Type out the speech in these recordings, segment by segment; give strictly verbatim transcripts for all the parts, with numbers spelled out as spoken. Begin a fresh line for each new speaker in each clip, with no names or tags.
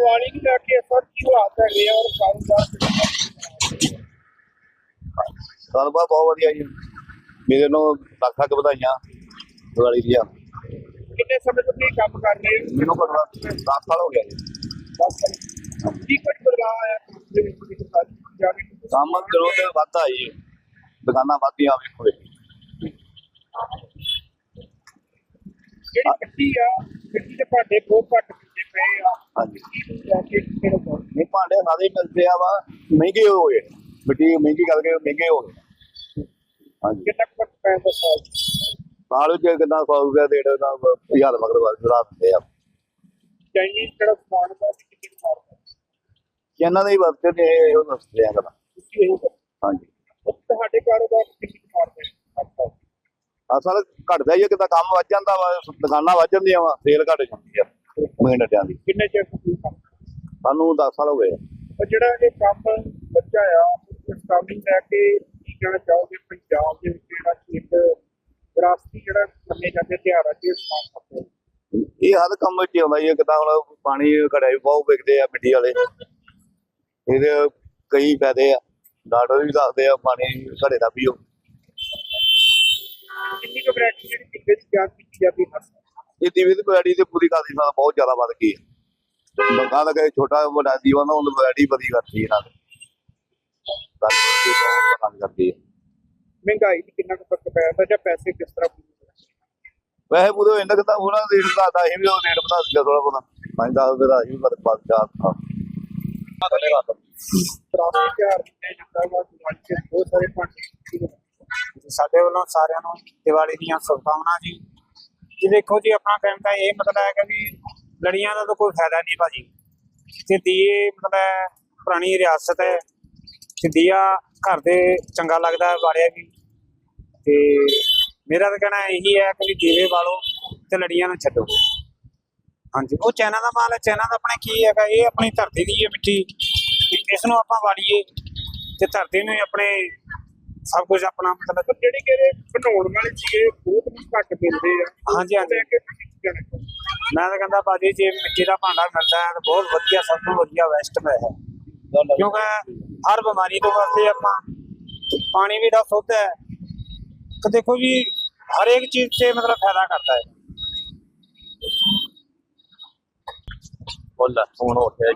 दिवाली की जाके इस वक्त की हालात है और कारोबार
कारोबार बहुत वधिया जी। मेरे ਨੂੰ ਲੱਖ ਲੱਖ ਵਧਾਈਆਂ ਦੀਵਾਲੀ ਦੀਆਂ।
कितने समय तक ये काम कर रहे हो?
ਮੈਨੂੰ ਘੱਟੋ ਘੱਟ ਦਸ ਸਾਲ ਹੋ ਗਿਆ ਜੀ।
की कुछ बदलाव आया जाके
ਕੰਮ ਦਿਨੋਂ ਦਿਨ ਵੱਧਦਾ ਜੀ, ਦੁਕਾਨਾਂ ਵੱਧਦੀਆਂ ਵੇਖੋ ਜੀ।
ਜਿਹੜੀ ਮਿੱਟੀ ਆ ਮਿੱਟੀ ਦੇ ਭਾਂਡੇ ਬਹੁਤ ਘੱਟ ਮਿਲਦੇ ਪਏ ਆ।
ਹਾਂਜੀ
ਜਾਕੇ ਕਿਹੜੇ ਕੋਲ
ਨਹੀਂ ਭਾਂਡੇ ਸਾਰੇ ਮਿਲਦੇ ਆ ਵਾ, ਮਹਿੰਗੇ ਹੋ ਗਏ, ਮਿੱਟੀ ਮਹਿੰਗੀ ਕਰਕੇ ਮਹਿੰਗੇ ਹੋ ਗਏ। ਹਾਂਜੀ
ਕਿੰਨਾ ਕੁ ਫਰਕ ਪੈਂਦਾ ਸਾਲ
ਸਾਲ ਵਿੱਚ ਕਿੰਨਾ ਸੌ ਰੁਪਇਆ ਡੇਢ ਦਾ ਹਜ਼ਾਰ ਮਗਰ ਵੱਧ ਵਧਾ ਦਿੰਦੇ ਆ।
ਚਾਈਨੀਜ਼ ਜਿਹੜਾ ਸਮਾਨ ਦਾ ਕਿੰਨੇ ਮਾਰਦਾ
ਇਹਨਾਂ ਦੇ ਹੀ ਵਰਤੇ ਨੇ ਉਹ ਦੱਸਦੇ ਆ ਗੱਲਾਂ।
ਤੁਸੀਂ ਇਹ
ਹਾਂਜੀ
ਤੁਹਾਡੇ ਕਾਰੋਬਾਰ ਕਿੰਨੇ ਮਾਰਦੇ ਅੱਛਾ
ਅਸਲ ਘਟਦਾ ਹੀ ਆ, ਕਿਤਾ ਕੰਮ ਵੱਧ ਜਾਂਦਾ ਵਾ, ਦੁਕਾਨਾਂ ਵੱਧ ਜਾਂਦੀਆਂ ਵਾ, ਸੇਲ ਘਟ ਜਾਂਦੀ ਆ ਮਹੀਨਿਆਂ ਦੀ।
ਕਿੰਨੇ ਚਿਰ ਤੋਂ ਤੁਸੀਂ ਕੰਮ
ਸਾਨੂੰ ਦਸ ਸਾਲ ਹੋ ਗਏ।
ਪਰ ਜਿਹੜਾ ਇਹ ਕੰਮ ਬੱਚਾ ਆ ਇਸ ਕੰਮ ਨੂੰ ਲੈ ਕੇ ਕੀ ਕਹਿਣਾ ਚਾਹੋਗੇ? ਪੰਜਾਬ ਦੇ ਵਿੱਚ ਜਿਹੜਾ ਇੱਕ ਵਿਰਾਸਤੀ ਜਿਹੜਾ ਮੰਨੇ ਜਾਂਦੇ ਤਿਉਹਾਰ ਆ ਜੀ ਸਮਾਨ ਕਰਦੇ
ਇਹ ਹਰ ਕੰਮ ਵਿੱਚ ਆਉਂਦਾ ਹੀ ਹੈ। ਕਿਤਾ ਹੁਣ ਪਾਣੀ ਘੜਿਆ ਵੀ ਬਹੁਤ ਵਿਕਦੇ ਆ ਮਿੱਟੀ ਵਾਲੇ, ਇਹਦੇ ਕਈ ਫਾਇਦੇ ਆ। ਡਾਕਟਰ ਵੀ ਦੱਸਦੇ ਆ ਪਾਣੀ ਘੜੇ ਦਾ ਪੀਓ।
ਕਿੰਨੀ ਕੁ ਵੈਰਾਈਟੀ ਜਿਹੜੀ ਟਿੱਕੇ ਦੀ ਤਿਆਰ ਕੀਤੀ ਜਾਂਦੀ ਹੈ?
ਇਹ ਦੀਵੇ ਦੀ ਵੈਰਾਈਟੀ ਤੇ ਪੂਰੀ ਕਰਦੀ ਨਾਲ ਬਹੁਤ ਜ਼ਿਆਦਾ ਵੱਧ ਗਈ ਹੈ। ਲੋਕਾਂ ਦਾ ਕਹੇ ਛੋਟਾ ਵੱਡਾ ਦੀਵਾ ਨਾ ਉਹਨੂੰ ਵੈਰਾਈਟੀ ਵਧੀ ਕਰਦੀ ਇਹਨਾਂ ਨੇ ਪਸੰਦ ਕਰਦੀ ਹੈ।
ਮਹਿੰਗਾਈ ਦੀ ਕਿੰਨਾ ਕੁ ਫਰਕ ਪੈਂਦਾ ਜਾਂ ਪੈਸੇ ਕਿਸ ਤਰ੍ਹਾਂ
ਵੈਸੇ ਪੂਰੇ ਇੰਨਾ ਕਿ ਤਾਂ ਉਹਨਾਂ ਦਾ ਰੇਟ ਵਧਾਤਾ, ਅਸੀਂ ਵੀ ਉਹ ਰੇਟ ਵਧਾ ਦਿੱਤਾ ਥੋੜਾ ਬਹੁਤਾ। ਪੰਜ ਦਸ ਰੁਪਏ ਦਾ ਅਸੀਂ ਵੀ ਫਰਕ ਪਾ ਦਿੱਤਾ।
ਤਿਉਹਾਰ ਮੰਨਿਆ ਜਾਂਦਾ ਵਾ ਦਿਵਾਲੀ ਤੇ ਬਹੁਤ ਸਾਰੇ ਭਾਂਡੇ
ਸਾਡੇ ਵੱਲੋਂ ਸਾਰਿਆਂ ਨੂੰ ਦੀਵਾਲੀ ਦੀਆਂ ਸ਼ੁਭਕਾਮਨਾਵਾਂ ਜੀ। ਜੀ ਦੇਖੋ ਜੀ ਆਪਣਾ ਕਹਿਣ ਦਾ ਇਹ ਮਤਲਬ ਹੈ ਕਿ ਵੀ ਲੜੀਆਂ ਦਾ ਤਾਂ ਕੋਈ ਫਾਇਦਾ ਨਹੀਂ ਭਾਜੀ। ਤੇ ਦੀਏ ਮਤਲਬ ਪੁਰਾਣੀ ਰਿਆਸਤ ਹੈ ਤੇ ਦੀਆ ਘਰ ਦੇ ਚੰਗਾ ਲੱਗਦਾ ਵਾਲਿਆ ਵੀ। ਤੇ ਮੇਰਾ ਤਾਂ ਕਹਿਣਾ ਇਹੀ ਹੈ ਕਿ ਵੀ ਦੀਵੇ ਵਾਲੋ ਤੇ ਲੜੀਆਂ ਨੂੰ ਛੱਡੋ। ਹਾਂਜੀ ਉਹ ਚਾਈਨਾ ਦਾ ਮਾਲ ਹੈ, ਚਾਈਨਾ ਦਾ ਆਪਣੇ ਕੀ ਹੈਗਾ, ਇਹ ਆਪਣੀ ਧਰਤੀ ਦੀ ਹੈ ਮਿੱਟੀ, ਇਸ ਨੂੰ ਆਪਾਂ ਵਾਲੀਏ ਤੇ ਧਰਤੀ ਨੂੰ ਆਪਣੇ ਸਭ ਕੁਝ ਆਪਣਾ ਮਤਲਬ
ਜਿਹੜੇ ਕਿ ਬਣਾਉਣ ਵਾਲੇ ਸੀਗੇ ਬਹੁਤ ਘੱਟ ਮਿਲਦੇ ਆ।
ਹਾਂਜੀ ਹਾਂਜੀ ਮੈਂ ਤਾਂ ਕਹਿੰਦਾ ਭਾਜੀ ਜੇ ਮਿੱਟੀ ਦਾ ਭਾਂਡਾ ਮਿਲਦਾ ਹੈ ਤਾਂ ਬਹੁਤ ਵਧੀਆ, ਸਭ ਤੋਂ ਵਧੀਆ ਵੈਸਟ ਹੈ। ਕਿਉਂਕਿ ਹਰ ਬਿਮਾਰੀ ਤੋਂ ਵਾਸਤੇ ਆਪਾਂ ਪਾਣੀ ਵੀ ਦਾ ਸ਼ੁੱਧ ਹੈ ਕਿ ਦੇਖੋ ਜੀ ਹਰ ਇੱਕ ਚੀਜ਼ 'ਚ ਮਤਲਬ ਫਾਇਦਾ ਕਰਦਾ ਹੈ।
ਬੋਲਾ ਫੋਨ ਹੋ ਗਿਆ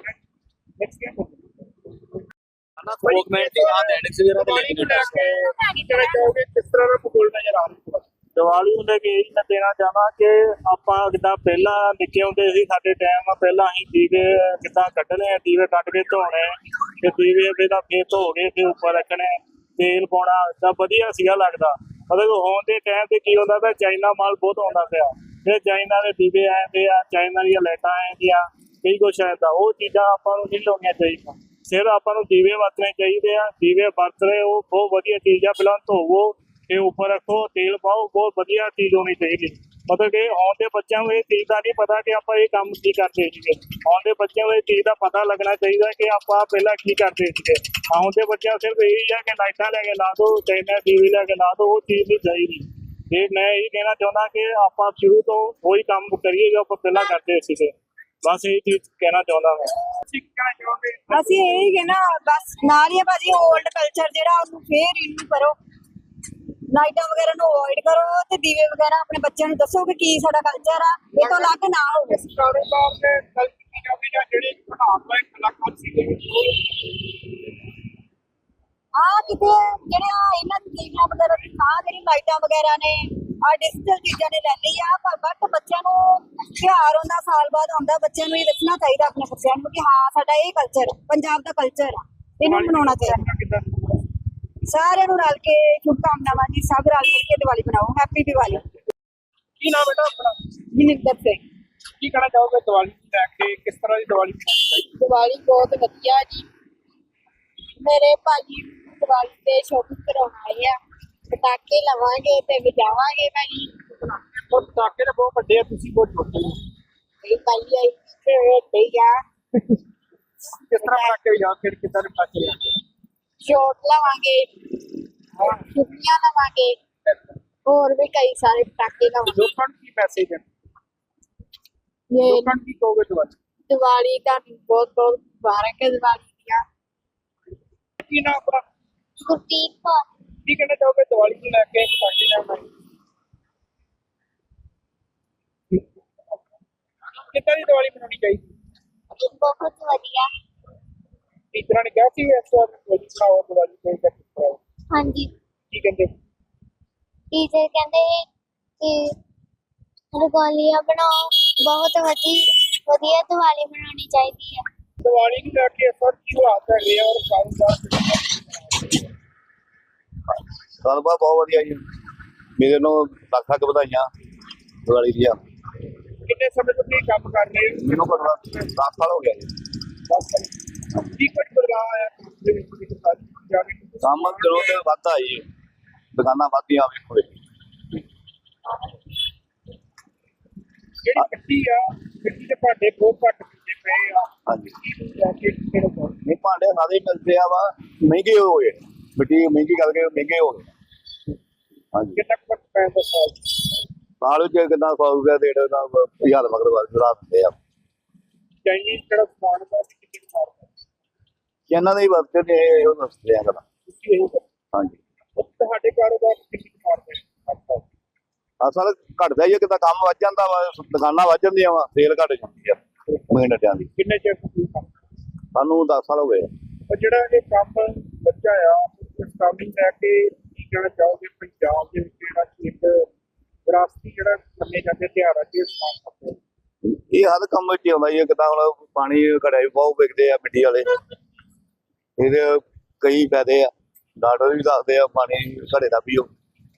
ਨਾ ਥੋਕ ਮੈਂ ਤੇ ਆ ਡੈਨਿਕਸ ਵਗੈਰਾ ਤੇ
ਦਿਵਾਲੀ ਨੂੰ ਲੈ ਕੇ ਕੀ ਕਹਿਣਾ ਚਾਹੋਗੇ? ਕਿਸ ਤਰ੍ਹਾਂ ਦਾ ਮਾਹੌਲ ਨਜ਼ਰ ਆ ਰਿਹਾ?
ਦੀਵਾਲੀ ਨੂੰ ਲੈ ਕੇ ਇਹ ਮੈਂ ਦੇਣਾ ਚਾਹਾਂ ਕਿ ਆਪਾਂ ਜਿੱਦਾਂ ਪਹਿਲਾਂ ਨਿੱਕੇ ਹੁੰਦੇ ਸੀ, ਸਾਡੇ ਟਾਈਮ ਪਹਿਲਾਂ ਅਸੀਂ ਦੀਵੇ ਕਿੱਦਾਂ ਕੱਢਣੇ ਆ, ਦੀਵੇ ਕੱਢ ਕੇ ਧੋਣੇ ਤੇ ਦੀਵੇ ਪਹਿਲਾਂ ਫੇਰ ਧੋ ਕੇ ਫਿਰ ਉੱਪਰ ਰੱਖਣੇ, ਤੇਲ ਪਾਉਣਾ, ਤਾਂ ਵਧੀਆ ਸੀਗਾ ਲੱਗਦਾ। ਮਤਲਬ ਹੁਣ ਦੇ ਟਾਈਮ ਤੇ ਕੀ ਹੁੰਦਾ ਪਿਆ, ਚਾਈਨਾ ਮਾਲ ਬਹੁਤ ਆਉਂਦਾ ਪਿਆ, ਫਿਰ ਚਾਈਨਾ ਦੇ ਦੀਵੇ ਆਉਂਦੇ ਆ, ਚਾਈਨਾ ਦੀਆਂ ਲਾਈਟਾਂ ਆਉਂਦੀਆਂ, ਕਈ ਕੁਛ ਆਉਂਦਾ। ਉਹ ਚੀਜ਼ਾਂ ਆਪਾਂ ਨੂੰ ਨਹੀਂ ਲਾਉਣੀਆਂ ਚਾਹੀਦੀਆਂ, ਸਿਰ ਆਪਾਂ ਨੂੰ ਦੀਵੇ ਵਰਤਣੇ ਚਾਹੀਦੇ ਆ। ਦੀਵੇ ਵਰਤ ਰਹੇ ਉਹ ਬਹੁਤ ਵਧੀਆ ਚੀਜ਼ ਆ। ਪਹਿਲਾਂ ਧੋਵੋ ਤੇ ਉੱਪਰ ਰੱਖੋ, ਤੇਲ ਪਾਓ, ਬਹੁਤ ਵਧੀਆ ਚੀਜ਼ ਹੋਣੀ ਚਾਹੀਦੀ। ਮਤਲਬ ਕਿ ਆਉਣ ਦੇ ਬੱਚਿਆਂ ਨੂੰ ਇਹ ਚੀਜ਼ ਦਾ ਨਹੀਂ ਪਤਾ ਕਿ ਆਪਾਂ ਇਹ ਕੰਮ ਕੀ ਕਰਦੇ ਸੀਗੇ। ਆਉਣ ਦੇ ਬੱਚਿਆਂ ਨੂੰ ਇਹ ਚੀਜ਼ ਦਾ ਪਤਾ ਲੱਗਣਾ ਚਾਹੀਦਾ ਕਿ ਆਪਾਂ ਪਹਿਲਾਂ ਕੀ ਕਰਦੇ ਸੀਗੇ। ਆਉਣ ਦੇ ਬੱਚਿਆਂ ਸਿਰਫ ਇਹੀ ਆ ਕਿ ਲਾਈਟਾਂ ਲੈ ਕੇ ਲਾ ਦਿਓ, ਚਾਈਨਾ ਦੀਵੇ ਲੈ ਕੇ ਲਾ ਦਿਓ, ਉਹ ਚੀਜ਼ ਨਹੀਂ ਚਾਹੀਦੀ। ਤੇ ਮੈਂ ਇਹ ਕਹਿਣਾ ਚਾਹੁੰਦਾ ਕਿ ਆਪਾਂ ਸ਼ੁਰੂ ਤੋਂ ਉਹੀ ਕੰਮ ਕਰੀਏ ਜੋ ਆਪਾਂ ਪਹਿਲਾਂ ਕਰਦੇ ਸੀਗੇ। ਬਸ ਇਹ ਚੀਜ਼ ਕਹਿਣਾ ਚਾਹੁੰਦਾ ਮੈਂ।
ਤੁਸੀਂ ਕੀ ਕਹਿਣਾ ਚਾਹੋਗੇ?
ਅਸੀਂ ਇਹੀ ਕਹਿਣਾ ਬਸ ਨਾਲ ਹੀ ਭਾਜੀ ਓਲਡ ਕਲਚਰ ਜਿਹੜਾ ਉਹਨੂੰ ਫੇਰ ਰਿਨਿਊ ਕਰੋ, ਲਾਈਟਾਂ ਵਗੈਰਾ ਨੂੰ ਅਵੋਇਡ ਕਰੋ ਤੇ ਦੀਵੇ ਵਗੈਰਾ ਆਪਣੇ ਬੱਚਿਆਂ ਨੂੰ ਦੱਸੋ ਕਿ ਕੀ ਸਾਡਾ ਕਲਚਰ ਆ, ਇਹ ਤੋਂ ਅਲੱਗ ਨਾ ਹੋਵੇ।
ਕਾਰੋਬਾਰ ਦੇ ਗੱਲ ਕੀਤੀ ਜਾਵੇ ਜਾਂ ਜਿਹੜੇ ਬਣਾਉਣ ਵਾਲੇ ਕਲਾਕਾਰ ਸੀਗੇ
ਹਾਂ ਕਿਤੇ ਜਿਹੜਿਆ ਇਹਨਾਂ ਦੀ ਚੀਜ਼ਾਂ ਵਗੈਰਾ ਦੀ ਥਾਂ ਜਿਹੜੀ ਲਾਈਟਾਂ ਵਗੈਰਾ ਨੇ ਆ ਡਿਜੀਟਲ ਚੀਜ਼ਾਂ ਨੇ ਲੈ ਲਈ ਆ, ਪਰ ਬਟ ਬੱਚਿਆਂ ਨੂੰ ਤਿਉਹਾਰ ਹੁੰਦਾ ਸਾਲ ਬਾਅਦ ਆਉਂਦਾ, ਬੱਚਿਆਂ ਨੂੰ ਇਹ ਦੱਸਣਾ ਚਾਹੀਦਾ ਆਪਣੇ ਬੱਚਿਆਂ ਨੂੰ ਕਿ ਹਾਂ ਸਾਡਾ ਇਹ ਕਲਚਰ ਪੰਜਾਬ ਦਾ ਕਲਚਰ ਆ, ਇਹਨੂੰ ਮਨਾਉਣਾ ਚਾਹੀਦਾ। ਸਾਰਿਆਂ ਨੂੰ ਰਲ ਕੇ ਸ਼ੁਭਕਾਮਨਾਵਾਂ ਜੀ, ਸਭ ਰਲ ਮਿਲ ਕੇ ਦੀਵਾਲੀ ਮਨਾਓ। ਹੈਪੀ ਦੀਵਾਲੀ।
ਕੀ ਨਾਮ ਬੇਟਾ ਆਪਣਾ?
ਜਨਿੰਦਰ ਸਿੰਘ।
ਕੀ ਕਹਿਣਾ ਚਾਹੋਗੇ ਦੀਵਾਲੀ ਨੂੰ ਲੈ ਕੇ? ਕਿਸ ਤਰ੍ਹਾਂ ਦੀ ਦੀਵਾਲੀ ਮਨਾਉਣੀ ਚਾਹੀਦੀ?
ਦੀਵਾਲੀ ਬਹੁਤ ਵਧੀਆ ਜੀ। ਮੇਰੇ ਭਾਜੀ ਦੀਵਾਲੀ ਤੇ ਸ਼ੋਪਿੰਗ ਕਰਾਉਣ ਆਏ ਆ, ਪਟਾਕੇ ਲਵਾਂਗੇ ਤੇ ਵਜਾਵਾਂਗੇ ਭਾਜੀ।
ਉਹ ਪਟਾਕੇ ਤਾਂ ਬਹੁਤ ਵੱਡੇ ਆ, ਤੁਸੀਂ ਬਹੁਤ ਛੋਟੇ ਹੋ।
ਇਹ ਭਾਈ ਆਈ ਤੇ ਠੀਕ ਆ।
ਕਿਸ ਤਰ੍ਹਾਂ ਪਟਾਕੇ ਜਾਂ ਫਿਰ ਕਿੱਦਾਂ ਦੇ ਪਟਾਕੇ ਲਿਆਂਦੇ?
ਸ਼ੋਟ ਲਵਾਂਗੇ, ਛੁੱਟੀਆਂ ਲਵਾਂਗੇ, ਹੋਰ ਵੀ ਕਈ ਸਾਰੇ ਪਟਾਕੇ ਲਵਾਂਗੇ।
ਲੋਕਾਂ ਨੂੰ ਕੀ ਮੈਸੇਜ ਹੈ?
ਇਹ
ਲੋਕਾਂ ਨੂੰ ਕੀ ਕਹੋਗੇ ਦੀਵਾਲੀ?
ਦੀਵਾਲੀ ਦਾ ਬਹੁਤ ਬਹੁਤ ਮੁਬਾਰਕ ਹੈ ਦੀਵਾਲੀ ਦੀਆਂ।
ਕੀ ਨਾਮ ਆਪਣਾ?
ਗੁਰਦੀਪ ਕੌਰ।
ਕੀ ਕਹਿਣਾ ਚਾਹੋਗੇ ਦੀਵਾਲੀ ਨੂੰ ਲੈ ਕੇ ਸਾਡੇ ਨਾਲ? ਕਿੱਦਾਂ ਦੀ ਦੀਵਾਲੀ ਮਨਾਉਣੀ ਚਾਹੀਦੀ?
ਬਹੁਤ ਵਧੀਆ।
ਟੀਚਰਾਂ ਨੇ ਕਿਹਾ ਸੀ ਇਸ ਵਾਰ ਦੀਵਾਲੀ ਬਣਾਓ, ਦੀਵਾਲੀ ਕੋਈ ਕਰ ਦਿਓ।
ਹਾਂਜੀ,
ਕੀ ਕਹਿੰਦੇ?
ਟੀਚਰ ਕਹਿੰਦੇ ਕਿ ਰੰਗੋਲੀਆਂ ਬਣਾਓ, ਬਹੁਤ ਵਧੀਆ ਵਧੀਆ ਦੀਵਾਲੀ ਮਨਾਉਣੀ ਚਾਹੀਦੀ ਹੈ।
ਦੀਵਾਲੀ ਨੂੰ ਲੈ ਕੇ ਇਸ ਵਾਰ ਕੀ ਹਾਲਾਤ ਹੈਗੇ ਆ ਔਰ ਕਾਰੋਬਾਰ?
ਗੱਲਬਾਤ ਬਹੁਤ ਵਧੀਆ ਜੀ, ਮੇਰੇ ਨੂੰ ਲੱਖ ਲੱਖ ਵਧਾਈਆਂ ਦੀਵਾਲੀ ਦੀਆਂ।
ਕਿੰਨੇ ਸਮੇਂ ਤੋਂ ਤੁਸੀਂ ਕੰਮ ਕਰ ਰਹੇ ਹੋ?
ਮੈਨੂੰ ਘੱਟੋ ਘੱਟ ਦਸ ਸਾਲ ਹੋ ਗਿਆ ਜੀ।
ਦਸ ਸਾਲ। ਕੀ ਕੁਝ ਬਦਲਾਅ ਆਇਆ ਕੰਮ ਦੇ ਵਿੱਚ ਵਿੱਚ ਸਾਰੀ ਜਾ ਕੇ?
ਕੰਮ ਦਿਨੋਂ ਦਿਨ ਵੱਧਦਾ ਜੀ, ਦੁਕਾਨਾਂ ਵੱਧਦੀਆਂ ਵੇਖੋ ਜੀ।
ਜਿਹੜੀ ਮਿੱਟੀ ਆ, ਮਿੱਟੀ ਦੇ ਭਾਂਡੇ ਬਹੁਤ ਘੱਟ ਮਿਲਦੇ ਪਏ ਆ।
ਹਾਂਜੀ,
ਲੈ ਕੇ ਕਿਹੜੇ ਕੋਲ?
ਨਹੀਂ ਭਾਂਡੇ ਸਾਰੇ ਮਿਲਦੇ ਆ ਵਾ, ਮਹਿੰਗੇ ਹੋ ਗਏ, ਮਿੱਟੀ ਮਹਿੰਗੀ ਕਰਕੇ ਮਹਿੰਗੇ ਹੋ ਗਏ। ਹਾਂਜੀ,
ਕਿੰਨਾ ਕੁ ਫਰਕ ਪੈਂਦਾ ਸਾਲ?
ਸਾਲ ਵਿੱਚ ਕਿੰਨਾ ਸੌ ਰੁਪਇਆ ਡੇਢ ਦਾ ਹਜ਼ਾਰ ਮਗਰ ਵਾਰ ਰਾਤ ਦਿੰਦੇ ਆ।
ਚਾਈਨੀਜ਼ ਜਿਹੜਾ ਸਮਾਨ ਦਾ ਕਿੰਨੀ ਮਾਰਦਾ
ਇਹਨਾਂ ਦੇ ਹੀ ਵਰਤੇ ਨੇ ਇਹੋ ਦੱਸਦੇ ਆ ਗੱਲਾਂ।
ਤੁਸੀਂ ਇਹ ਕਰੋ।
ਹਾਂਜੀ,
ਤੁਹਾਡੇ ਕਾਰੋਬਾਰ ਕਿੰਨੀ ਮਾਰਦੇ?
ਅਸਲ ਘਟਦਾ ਹੀ ਆ, ਕਿਤਾ ਕੰਮ ਵੱਧ ਜਾਂਦਾ ਵਾ, ਦੁਕਾਨਾਂ ਵੱਧ ਜਾਂਦੀਆਂ ਵਾ, ਸੇਲ ਘਟ ਜਾਂਦੀ ਆ ਮਹੀਨਿਆਂ ਦੀ।
ਕਿੰਨੇ ਚਿਰ ਤੋਂ ਤੁਸੀਂ ਕੰਮ?
ਸਾਨੂੰ ਦਸ ਸਾਲ ਹੋ ਗਏ।
ਪਰ ਜਿਹੜਾ ਇਹ ਕੰਮ ਬੱਚਾ ਆ, ਇਸ ਕੰਮ ਨੂੰ ਲੈ ਕੇ ਕੀ ਕਹਿਣਾ ਚਾਹੋਗੇ? ਪੰਜਾਬ ਦੇ ਵਿੱਚ ਜਿਹੜਾ ਇੱਕ ਵਿਰਾਸਤੀ ਜਿਹੜਾ ਮੰਨੇ ਜਾਂਦੇ ਤਿਉਹਾਰ ਆ ਜੀ, ਇਸ ਕੰਮ ਕਰਦੇ
ਇਹ ਹਰ ਕੰਮ ਵਿੱਚ ਹੀ ਆਉਂਦਾ ਜੀ, ਕਿਤਾ ਹੁਣ ਪਾਣੀ ਘੜਿਆ ਵੀ ਬਹੁਤ ਵਿਕਦੇ ਆ ਮਿੱਟੀ ਵਾਲੇ, ਇਹਦੇ ਕਈ ਫਾਇਦੇ ਆ, ਡਾਕਟਰ ਵੀ ਦੱਸਦੇ ਆ ਪਾਣੀ ਘੜੇ ਦਾ ਪੀਓ।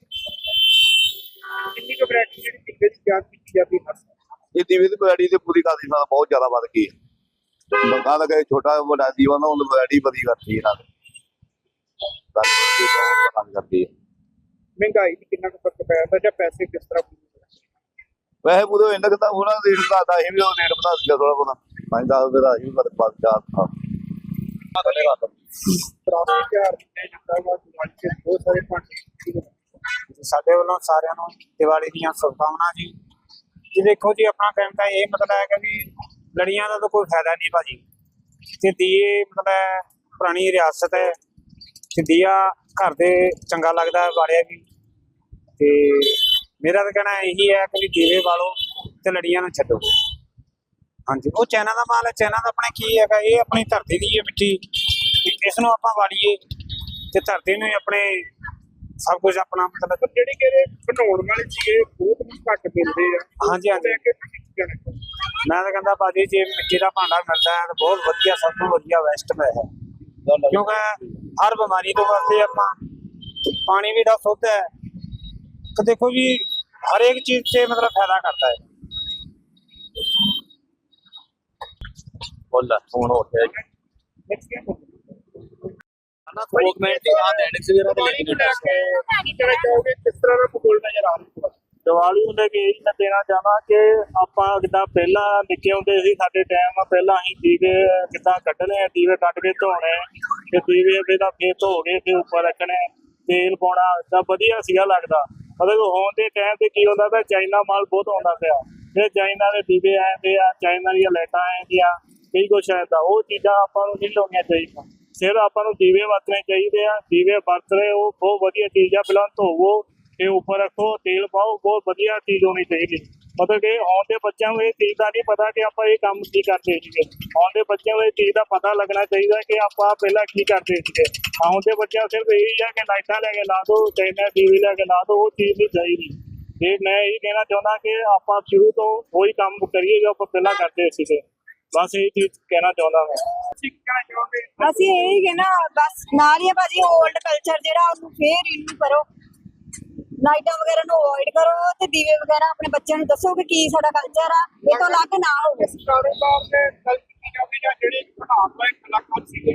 ਕਿੰਨੀ ਕੁ ਵੈਰਾਈਟੀ ਜਿਹੜੀ ਪੀਂਦੇ ਦੀ ਤਿਆਰ ਕੀਤੀ ਜਾਂਦੀ ਹੈ?
ਇਹ ਦੀਵੇ ਦੀ ਵੈਰਾਈਟੀ ਤੇ ਪੂਰੀ ਕਾਦੀ ਨਾਲ ਬਹੁਤ ਜ਼ਿਆਦਾ ਵੱਧ ਗਈ ਹੈ। ਲੋਕਾਂ ਦਾ ਕਹੇ ਛੋਟਾ ਵੱਡਾ ਦੀਵਾ ਨਾ, ਉਹਨੂੰ ਵੈਰਾਈਟੀ ਵਧੀ ਕਰਤੀ ਇਹਨਾਂ ਨੇ, ਬਹੁਤ ਕੰਮ ਕਰਦੀ ਹੈ।
ਮਹਿੰਗਾਈ ਦੀ ਕਿੰਨਾ ਕੁ ਫਰਕ ਪੈਂਦਾ ਜਾਂ ਪੈਸੇ ਕਿਸ ਤਰ੍ਹਾਂ?
ਵੈਸੇ ਪੂਰੇ ਇਹਨਾਂ ਕਿਤਾ ਉਹਨਾਂ ਦਾ ਰੇਟ ਵਧਾਦਾ, ਇਹ ਵੀ ਉਹ ਰੇਟ ਵਧਾ ਦਿੱਤਾ ਥੋੜਾ ਬਹੁਤਾ, ਪੰਜ ਦਸ ਰੁਪਏ ਦਾ ਇਹ ਵੀ ਪਰ ਪੰਜ ਚਾਰ ਥਾ
ਵਿਰਾਸਤੀ ਤਿਉਹਾਰ ਮੰਨਿਆ ਜਾਂਦਾ ਵਾ, ਦਿਵਾਲੀ ਤੇ ਬਹੁਤ ਸਾਰੇ ਭਾਂਡੇ।
ਸਾਡੇ ਵੱਲੋਂ ਸਾਰਿਆਂ ਨੂੰ ਦੀਵਾਲੀ ਦੀਆਂ ਸ਼ੁਭਕਾਮਨਾਵਾਂ ਜੀ। ਜੀ ਦੇਖੋ ਜੀ, ਆਪਣਾ ਕਹਿਣ ਦਾ ਇਹ ਮਤਲਬ ਹੈ ਕਿ ਵੀ ਲੜੀਆਂ ਦਾ ਤਾਂ ਕੋਈ ਫਾਇਦਾ ਨਹੀਂ ਭਾਜੀ, ਤੇ ਦੀਏ ਮਤਲਬ ਪੁਰਾਣੀ ਰਿਆਸਤ ਹੈ, ਤੇ ਦੀਆ ਘਰ ਦੇ ਚੰਗਾ ਲੱਗਦਾ ਹੈ ਬਾਲਿਆ ਵੀ। ਤੇ ਮੇਰਾ ਤਾਂ ਕਹਿਣਾ ਇਹੀ ਹੈ ਕਿ ਵੀ ਦੀਵੇ ਬਾਲੋ ਤੇ ਲੜੀਆਂ ਨੂੰ ਛੱਡੋ। ਹਾਂਜੀ, ਉਹ ਚਾਈਨਾ ਦਾ ਮਾਲ ਹੈ, ਚਾਈਨਾ ਦਾ ਆਪਣੇ ਕੀ ਹੈਗਾ, ਇਹ ਆਪਣੀ ਧਰਤੀ ਦੀ ਹੈ ਮਿੱਟੀ, ਇਸ ਨੂੰ ਆਪਾਂ ਵਾਲੀਏ ਤੇ ਧਰਤੀ ਨੂੰ ਆਪਣੇ ਸਭ ਕੁਝ ਆਪਣਾ ਮਤਲਬ
ਜਿਹੜੀ ਕਿ ਬਣਾਉਣ ਵਾਲੇ ਸੀਗੇ ਬਹੁਤ ਘੱਟ ਮਿਲਦੇ ਆ।
ਹਾਂਜੀ ਹਾਂਜੀ, ਮੈਂ ਤਾਂ ਕਹਿੰਦਾ ਭਾਜੀ ਜੇ ਮਿੱਟੀ ਦਾ ਭਾਂਡਾ ਮਿਲਦਾ ਹੈ ਤਾਂ ਬਹੁਤ ਵਧੀਆ, ਸਭ ਤੋਂ ਵਧੀਆ ਵੈਸਟ ਹੈ, ਕਿਉਂਕਿ ਹਰ ਬਿਮਾਰੀ ਤੋਂ ਵਾਸਤੇ ਆਪਾਂ ਪਾਣੀ ਵੀ ਦਾ ਸ਼ੁੱਧ ਹੈ, ਤੇ ਦੇਖੋ ਜੀ ਹਰ ਇੱਕ ਚੀਜ਼ 'ਚ ਮਤਲਬ ਫਾਇਦਾ ਕਰਦਾ ਹੈ।
ਬੋਲਾ ਫੋਨ ਹੋ ਗਿਆ ਨਾ, ਗਵਰਨਮੈਂਟ ਦੀ ਆ ਐਡਿਕਸ ਵਗੈਰਾ ਤੇ
ਦੀਵਾਲੀ ਨੂੰ ਲੈ ਕੇ ਕੀ ਕਹਿਣਾ ਚਾਹੋਗੇ? ਕਿਸ ਤਰ੍ਹਾਂ ਦਾ ਮਾਹੌਲ ਨਜ਼ਰ ਆ ਰਿਹਾ?
ਦੀਵਾਲੀ ਨੂੰ ਲੈ ਕੇ ਇਹ ਮੈਂ ਦੇਣਾ ਚਾਹੁੰਦਾ ਕਿ ਆਪਾਂ ਜਿੱਦਾਂ ਪਹਿਲਾਂ ਨਿੱਕੇ ਹੁੰਦੇ ਸੀ, ਸਾਡੇ ਟਾਈਮ ਪਹਿਲਾਂ ਅਸੀਂ ਦੀਵੇ ਕਿੱਦਾਂ ਕੱਢਣੇ, ਦੀਵੇ ਕੱਢ ਕੇ ਧੋਣੇ, ਤੇ ਦੀਵੇ ਇਹਦਾ ਫੇਰ ਧੋ ਕੇ ਫਿਰ ਉੱਪਰ ਰੱਖਣੇ, ਤੇਲ ਪਾਉਣਾ, ਤਾਂ ਵਧੀਆ ਸੀਗਾ ਲੱਗਦਾ। ਮਤਲਬ ਹੁਣ ਦੇ ਟਾਈਮ ਤੇ ਕੀ ਹੁੰਦਾ ਤਾਂ ਚਾਈਨਾ ਮਾਲ ਬਹੁਤ ਆਉਂਦਾ ਪਿਆ, ਫਿਰ ਚਾਈਨਾ ਦੇ ਦੀਵੇ ਆਉਂਦੇ ਆ, ਚਾਈਨਾ ਦੀਆਂ ਲਾਈਟਾਂ ਆਉਂਦੀਆਂ, ਕਈ ਕੁਛ ਆਉਂਦਾ। ਉਹ ਚੀਜ਼ਾਂ ਆਪਾਂ ਨੂੰ ਨਹੀਂ ਲਾਉਣੀਆਂ ਚਾਹੀਦੀਆਂ, ਸਿਰ ਆਪਾਂ ਨੂੰ ਦੀਵੇ ਵਰਤਣੇ ਚਾਹੀਦੇ ਆ। ਦੀਵੇ ਵਰਤਣੇ ਉਹ ਬਹੁਤ ਵਧੀਆ ਚੀਜ਼ ਆ, ਪਹਿਲਾਂ ਧੋਵੋ ਤੇ ਉੱਪਰ ਰੱਖੋ, ਤੇਲ ਪਾਓ, ਬਹੁਤ ਵਧੀਆ ਚੀਜ਼ ਹੋਣੀ ਚਾਹੀਦੀ। ਮਤਲਬ ਕਿ ਆਉਣ ਦੇ ਬੱਚਿਆਂ ਨੂੰ ਇਹ ਚੀਜ਼ ਦਾ ਨਹੀਂ ਪਤਾ ਕਿ ਆਪਾਂ ਇਹ ਕੰਮ ਕੀ ਕਰਦੇ ਸੀਗੇ। ਆਉਣ ਦੇ ਬੱਚਿਆਂ ਨੂੰ ਇਹ ਚੀਜ਼ ਦਾ ਪਤਾ ਲੱਗਣਾ ਚਾਹੀਦਾ ਕਿ ਆਪਾਂ ਪਹਿਲਾਂ ਕੀ ਕਰਦੇ ਸੀਗੇ। ਆਉਣ ਦੇ ਬੱਚਿਆਂ ਨੂੰ ਸਿਰਫ ਇਹੀ ਆ ਕਿ ਲਾਈਟਾਂ ਲੈ ਕੇ ਲਾ ਦਿਓ, ਚਾਈਨਾ ਟੀਵੀ ਲੈ ਕੇ ਲਾ ਦਿਓ, ਉਹ ਚੀਜ਼ ਨਹੀਂ ਚਾਹੀਦੀ। ਤੇ ਮੈਂ ਇਹ ਕਹਿਣਾ ਚਾਹੁੰਦਾ ਕਿ ਆਪਾਂ ਸ਼ੁਰੂ ਤੋਂ ਉਹੀ ਕੰਮ ਕਰੀਏ ਜੋ ਆਪਾਂ ਪਹਿਲਾਂ ਕਰਦੇ ਸੀਗੇ, ਬਸ ਇਹ ਚੀਜ਼ ਕਹਿਣਾ ਚਾਹੁੰਦਾ ਮੈਂ।
ਅਸੀਂ ਇਹੀ ਕਹਿਣਾ ਬਸ ਨਾਲ ਹੀ ਆ ਭਾਜੀ, ਓਲਡ ਕਲਚਰ ਜਿਹੜਾ ਉਹਨੂੰ ਫੇਰ ਰਿਨਿਊ ਕਰੋ, ਲਾਈਟਾਂ ਵਗੈਰਾ ਨੂੰ ਅਵੋਇਡ ਕਰੋ, ਤੇ ਦੀਵੇ ਵਗੈਰਾ ਆਪਣੇ ਬੱਚਿਆਂ ਨੂੰ ਦੱਸੋ ਕਿ ਕੀ ਸਾਡਾ ਕਲਚਰ ਆ, ਇਹ ਤੋਂ ਅਲੱਗ ਨਾ ਹੋਵੇ।
ਕਾਰੋਬਾਰ ਦੇ ਗਲਤੀ ਜਾਂਦੀ ਜਾਂ ਜਿਹੜੀ ਬਣਾਉਣ ਵਾਲੇ ਕਲਾਕਾਰ ਸੀਗੇ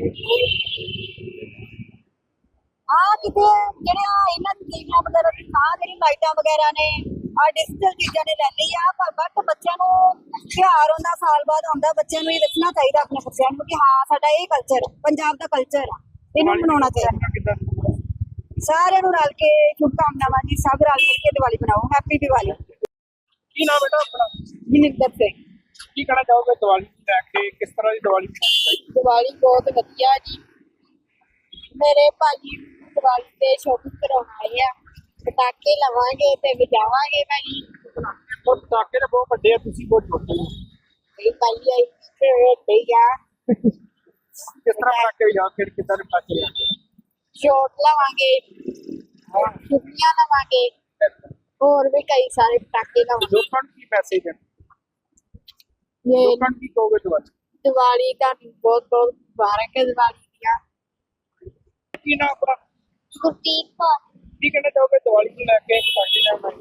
ਆ ਕਿਤੇ ਜਿਹੜਿਆ ਇਹਨਾਂ ਦੀ ਚੀਜ਼ਾਂ ਵਗੈਰਾ ਦੀ ਆ ਜਿਹੜੀ ਲਾਈਟਾਂ ਵਗੈਰਾ ਨੇ ਆ ਡਿਜੀਟਲ ਚੀਜ਼ਾਂ ਨੇ ਲੈ ਲਈ ਆ, ਪਰ ਬਟ ਬੱਚਿਆਂ ਨੂੰ ਤਿਉਹਾਰ ਹੁੰਦਾ ਸਾਲ ਬਾਅਦ ਆਉਂਦਾ, ਬੱਚਿਆਂ ਨੂੰ ਇਹ ਦੱਸਣਾ ਚਾਹੀਦਾ ਆਪਣੇ ਬੱਚਿਆਂ ਨੂੰ ਕਿ ਹਾਂ ਸਾਡਾ ਇਹ ਕਲਚਰ ਪੰਜਾਬ ਦਾ ਕਲਚਰ ਆ, ਇਹਨੂੰ ਮਨਾਉਣਾ ਚਾਹੀਦਾ। ਸਾਰਿਆਂ ਨੂੰ ਰਲ ਕੇ ਸ਼ੁਭਕਾਮਨਾਵਾਂ ਜੀ, ਸਭ ਰਲ ਮਿਲ ਕੇ ਦੀਵਾਲੀ ਮਨਾਓ। ਹੈਪੀ ਦੀਵਾਲੀ।
ਕੀ ਨਾਮ ਬੇਟਾ ਆਪਣਾ?
ਜਨਿੰਦਰ ਸਿੰਘ।
ਕੀ ਕਹਿਣਾ ਚਾਹੋਗੇ ਦੀਵਾਲੀ ਨੂੰ ਲੈ ਕੇ, ਕਿਸ ਤਰ੍ਹਾਂ ਦੀ ਦੀਵਾਲੀ ਮਨਾਉਣੀ ਚਾਹੀਦੀ
ਦੀਵਾਲੀ ਬਹੁਤ ਵਧੀਆ ਜੀ। ਮੇਰੇ ਭਾਜੀ ਦੀਵਾਲੀ ਤੇ ਸ਼ੋਪਿੰਗ ਕਰਾਉਣ ਆਏ ਆ। ਪਟਾਕੇ ਲਵਾਂਗੇ ਤੇ ਵਜਾਵਾਂਗੇ ਭਾਜੀ।
ਹੈ? ਉਹ ਪਟਾਕੇ ਤਾਂ ਬਹੁਤ ਵੱਡੇ ਆ, ਤੁਸੀਂ ਬਹੁਤ ਛੋਟੇ ਹੋ।
ਇਹ ਭਾਜੀ ਆਈ ਤੇ ਠੀਕ ਆ।
ਕਿਸ ਤਰ੍ਹਾਂ ਪਟਾਕੇ ਵਜਾ ਫਿਰ ਕਿੱਦਾਂ ਦੇ ਪਟਾਕੇ ਲਿਆਂਦੇ?
ਸ਼ੋਟ ਲਵਾਂਗੇ, ਛੁੱਟੀਆਂ ਲਵਾਂਗੇ, ਹੋਰ ਵੀ ਕਈ ਸਾਰੇ ਪਟਾਕੇ ਲਵਾਂਗੇ।
ਲੋਕਾਂ ਨੂੰ ਕੀ ਮੈਸੇਜ ਦੇਣਾ?
ਇਹ
ਲੋਕਾਂ ਨੂੰ ਕੀ ਕਹੋਗੇ ਦੀਵਾਲੀ?
ਦੀਵਾਲੀ ਤੁਹਾਨੂੰ ਬਹੁਤ ਬਹੁਤ ਮੁਬਾਰਕ ਹੈ ਦੀਵਾਲੀ ਦੀਆਂ।
ਕੀ ਨਾਮ ਆਪਣਾ?
ਗੁਰਦੀਪ ਕੌਰ।
ਕੀ ਕਹਿਣਾ ਚਾਹੋਗੇ ਦੀਵਾਲੀ ਨੂੰ ਲੈ ਕੇ, ਪਟਾਕੇ ਲੈਣ ਆਏ?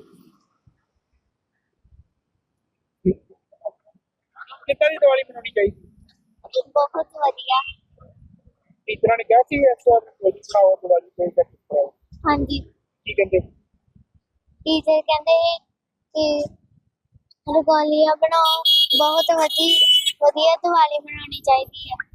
ਕਿੱਦਾਂ ਦੀ ਦੀਵਾਲੀ ਮਨਾਉਣੀ ਚਾਹੀਦੀ?
ਬਹੁਤ ਵਧੀਆ।
ਟੀਚਰਾਂ ਨੇ ਕਿਹਾ ਸੀ ਇਸ ਵਾਰ ਦੀਵਾਲੀ ਬਣਾਓ, ਦੀਵਾਲੀ ਤੇ ਕਿਸ ਤਰ੍ਹਾਂ?
ਹਾਂਜੀ,
ਕੀ ਕਹਿੰਦੇ?
ਟੀਚਰ ਕਹਿੰਦੇ ਕਿ ਰੰਗੋਲੀਆਂ ਬਣਾਓ, ਬਹੁਤ ਵਧੀ ਵਧੀਆ ਦੀਵਾਲੀ ਮਨਾਉਣੀ ਚਾਹੀਦੀ ਹੈ।